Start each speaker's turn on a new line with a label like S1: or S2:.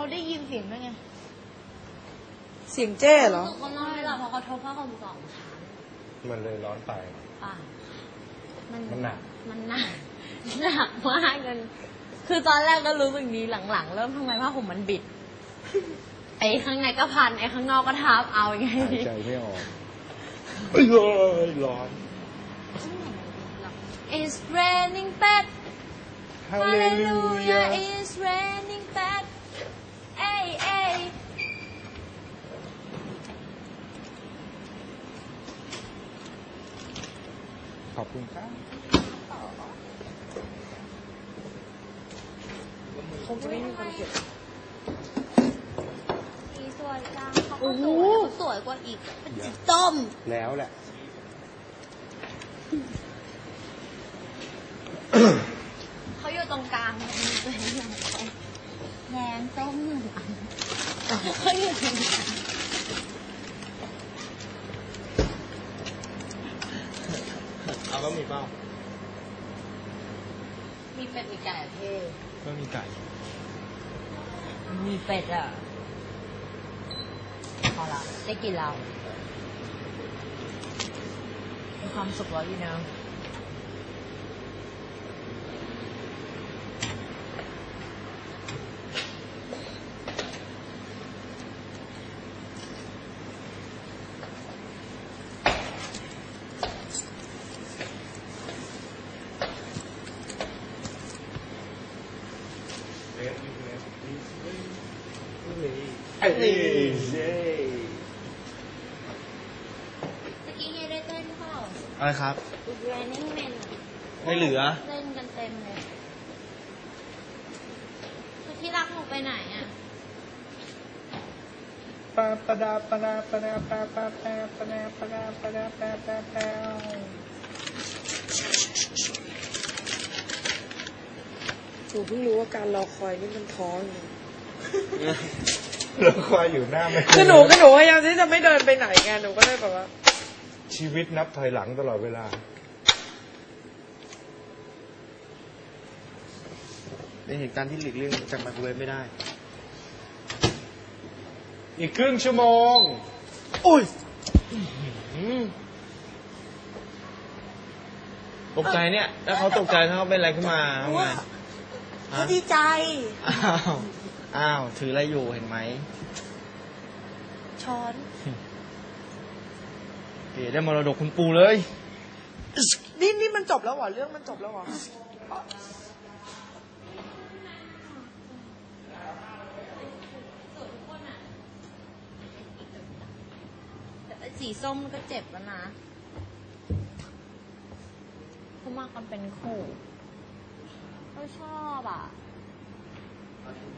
S1: เขาได้ยินเสียงด้วยไง
S2: เสียงเจ้เหรอ
S1: เขานอนไม่หลับเพราะเขาทบผ้าห่ม2 ชั้น
S3: มันเลยร้อนไปมันหนัก
S1: มากจนคือตอนแรกก็รู้สึกดีหลังๆเริ่มทำไมผ้าห่มมันบิดไอ้ข้างในก็พันไอ้ข้างนอกก็ทับเอาอย่างไง
S3: หายใจไม่ออกร้อน
S1: It's raining bad Hallelujah It's raining bad เอ้ย
S3: ขอบคุณครับ
S2: คงจะไม่มีคนเก็บ
S1: สีสวยจังเขาก็สวยกว่าอีกเป็นสีส้ม
S3: แล้วแหละ
S1: เขาอยู่ตรงกลางมีตัวอย่างแดงส้ม1 อันเขาอยู่ตรงกลาง
S3: เอาก็มีเปล่า
S1: มีเป็ดมีไก่เท่
S3: ก็มีไก่
S1: มีเป็ดอ่ะพอละได้กินเรามีความสุขแล้วอยู่นะ
S3: เอ้ย
S1: ตะกี้เฮได้เต้นเปล่า
S3: อะไรครับ
S1: Running Man
S3: ไม่เหลือ
S1: เล่นกันเต็มเลยที่รักหนูไปไหนอ่ะ
S3: ปาปะดาปะดาปะดาปะปะปะปะดาปะดาปะดาปะปะปะ
S2: หนูเพิ่งรู้ว่าการรอคอยนี่มันท้ออยู่
S3: เราคอยอยู่หน้าไม่
S2: คือหนูพยายามที่จะไม่เดินไปไหนไงหนูก็เลยแบบว่า
S3: ชีวิตนับถอยหลังตลอดเวลา
S4: เป็นเหตุการณ์ที่หลีกเลี่ยงจากไมโครเวฟไม่ได้
S3: อีกครึ่งชั่วโมง
S4: โอ้ยตกใจเนี่ยแล้วเขาตกใจถ้าเขาเป็นอะไรขึ้นมาทำไง
S2: เขาดีใจ
S4: อ้าวถืออะไรอยู่เห็นไหม
S2: ช้อน
S4: เก๋ได้มรดกคุณปู่เลย
S2: นี่มันจบแล้วเหรอเรื่องมันจบแล้วเหรอ
S1: สีส้มก็เจ็บแล้วนะเขามากันเป็นคู่เขาชอบอ่ะ